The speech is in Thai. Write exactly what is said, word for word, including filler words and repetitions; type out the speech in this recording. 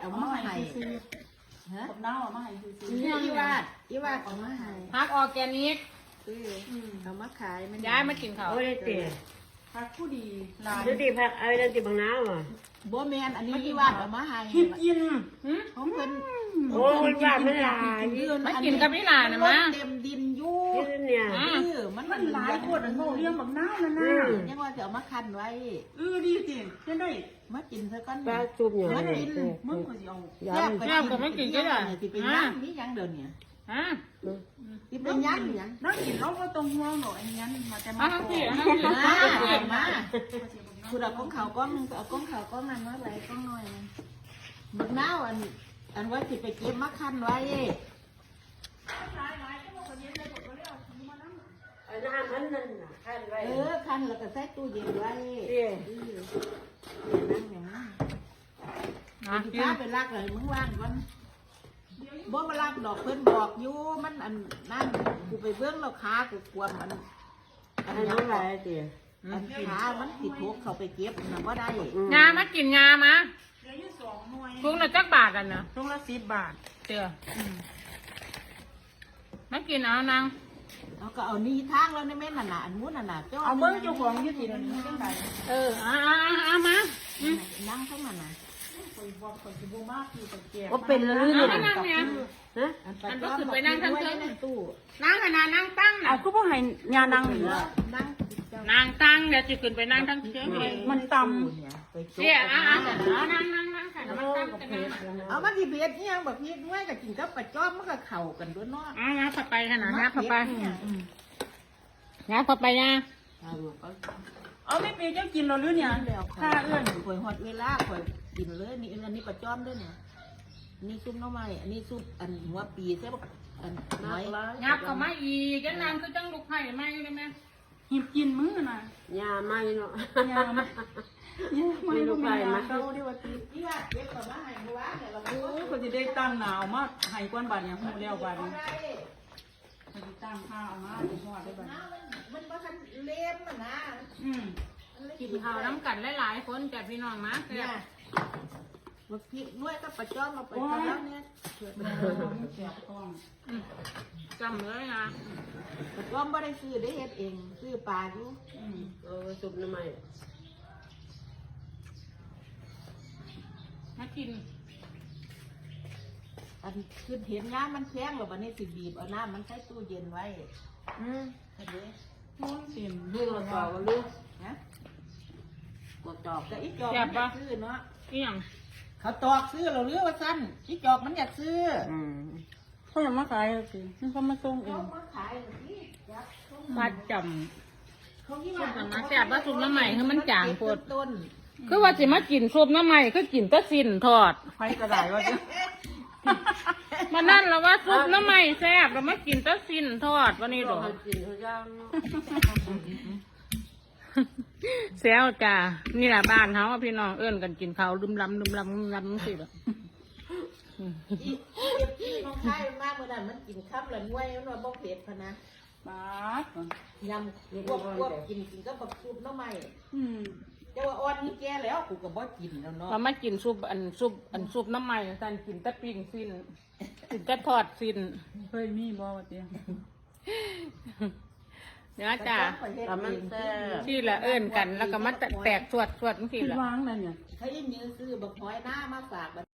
เอามาให้ฮะกับน้าเอามาให้ซื้ออีวาดอีวาดเอามาให้พักออร์แกนิกเออเอามาขายมันย้ายมากินเขาวโอ้ยเตี๋ยพักผู้ดีลายเดี๋ยวตีผักเอาเดี๋ยวตีบางน้ำอ่ะบ่แมนอันนี้อีวาดเอามาให้คิดกินของเพิ่นโอ้ยว่าไม่ลายมากินกับพี่หลานนะมะเต็มดินอยู่นี่เนี่ยเออมันมันหลายคนอันโง่เลี้ยงแบบน้านั่นน่ะยังว่าจะเอามาคันไว้เออดีจริงจะได้มากินซะก่อนปลาจุ่มอย่างมานี้กินมึงก็สิเอายแซ่บไปกินสิเป็นยังมียังเดี๋ยวนี้ฮะสิเป็นยังยังน้ากินเราก็ต้องห่วงหน่อยอันนี้มาแต่เอามาทั้งโตสี่เอาทั้งสี่มามาคุณเอาก้องเขาก้องนึงเอาก้องเขาก้องนั้นมาไหลก้องน้อยบักน้าวอันอันว่าสิไปเก็บมาคันไว้เอาน้ำมันนั่นน่ะขั้นไว้เออคันแล้วก็ใส่ตู้เย็นไว้เตี๋ยนั่งอย่างนั้นนะสิกินพาไปลากเลยมึงว่างก่อนบ่มาลากดอกเพิ่นบอกอยู่มันอันนั่นกูไปเบื้องเราขากูกวมอันอัอันนยันั้นงอะไรเตี๋ยอันขามันติดทุกเขาไปเก็บนะว่าได้ยามากินยามาเหลืออยู่สองหน่วยทุงละจักบาทกันนะตรงละสิบบาทเตือมากินเอานางเอาก็เอานี่ทางแล้วในแม่น่ะน่ะอันนู้นน่ะน่ะเอาเบิ้งเจ้าของอยืดสิเดี๋ยวนี้จังไดเออเอาเอาเอามานั่งข้างนั้นน่ะคอยบอกคอยสิบ่มากอยู่กับแก่ว่าเป็นแล้วหรือเอาเนี่ยมานั่งเนี่ยฮะอันไปก็คือไปนั่งทั้งคืนในตู้นั่งขนาดนั่งตั้งเอาน่ะก็บ่ให้ยานั่งนี่ล่ะนั่งนั่งตั้งเดี๋ยวจะขึ้นไปนั่งทั้งเชือกเลยมันต่ไปจเสียเอาเอาเอานั่งนั่งนั่งค่ะมันตั้งกันนั่งเอามาที่เบียดเนี่ยแบบพีดด้วยกับกินกับปลาจ้อมมันก็เข่ากันด้วยเนาะเอางับเข้าไปขนาดงับเข้าไปงับเข้าไปนะำเอาไม่ปีเจ้ากินเราหรือเนี่ยถ้าเอื้อนข่อยหอดเวลาข่อยกินเลยนี่อันนี้ปลาจ้อมด้วยเนี่ยอันนี้ซุปน้ำมันอันนี้ซุปอันหัวปีใช่ปะอันน้อยงับเข้ามาอีกจะนั่งคือจังลูกไผ่ไหมได้ไหมหิบกินมื้อน่ะยาไม่เนาะยาไหมยาไม่รู้ไหมยาเขาเรียกว่าตีที่ว่าเก็บกับมาให้เมื่อวานเนี่ยเราโอ้ยคนจะได้ตั้งหนาวมากให้กวนบาดอย่างหูแล้วบาดนี้คนจะตั้งข้าวมาจะทอดได้บาดมันมันคันเล่มมันนะอืมกินข้าวน้ำกันหลายๆคนจากพี่น้องมาเนี่ยมาพริกด้วยก็ปลาจ้อมมาไปทำแล้วเนี่ยแม่แสบท้องจำเลยนะปลาจ้อมไม่ได้ซื้อได้เฮ็ดเองซื้อปลาอยู่อืมเออจุ่มน้ำมันมากินอันคือเห็นน้ำมันแข็งหรอวันนี้สิบีบเอาน้ำมันใส่ตู้เย็นไว้อืมเห็นไหมม้วนเต็มเรื่องเราต่อกันลูกฮะกดจอกแต่อีจอกมันอยากซื้อเนาะอีหยังเขาตอกซื้อเราเรือว่าสั้นอีจอกมันอยากซื้ออืมเขาจะมาขายสิมันเขามาส่งเอเขางมาขายที่ยักษ์ปัดจเขาที่ำว่าซุปน้ำมันแซ่บว่าซุปน้ำใหม่คือมันจางโพดต้นคือว่าสิมากินซุปน้ำใหม่คือกินแตะสินทอดไฟกระดาษว่าจะมานั่นแล้วว่าซุปน้ำใหม่แซ่บเรามากินแตะสินทอดวันนี้หรอเขากินเขาย่างแซวจ้านี่แหละบ้านเขาอะพี่น้องเอิ้นกันกินข้าวลืมลำลืมลำลืมลำสิแบบอีอีน้องชายมากเมื่อนั้นมันกินข้ามละงวยมันว่าบ่เผ็ดพะนะบาดยำพวกพวกกินกินก็บักซุปน้ำใหม่อืมแต่ว่าอ่อนนี่แก่แล้วกูก็บ่กินแล้วเนาะพอมากินซุปอันซุปอันซุปน้ำใหม่สันกินแตะปิ้งสิ้นกินแตะทอดสิ้นเคยมีบ่ว่าเตี้ยเนื้อจ้าทำมันแซ่บที่ละเอิ้นกันแล้วก็มาแตกสวดสวดทั้งทีละวางนั่นเนี่ยเขายังมีซื้อบักหอยหน้ามาฝาก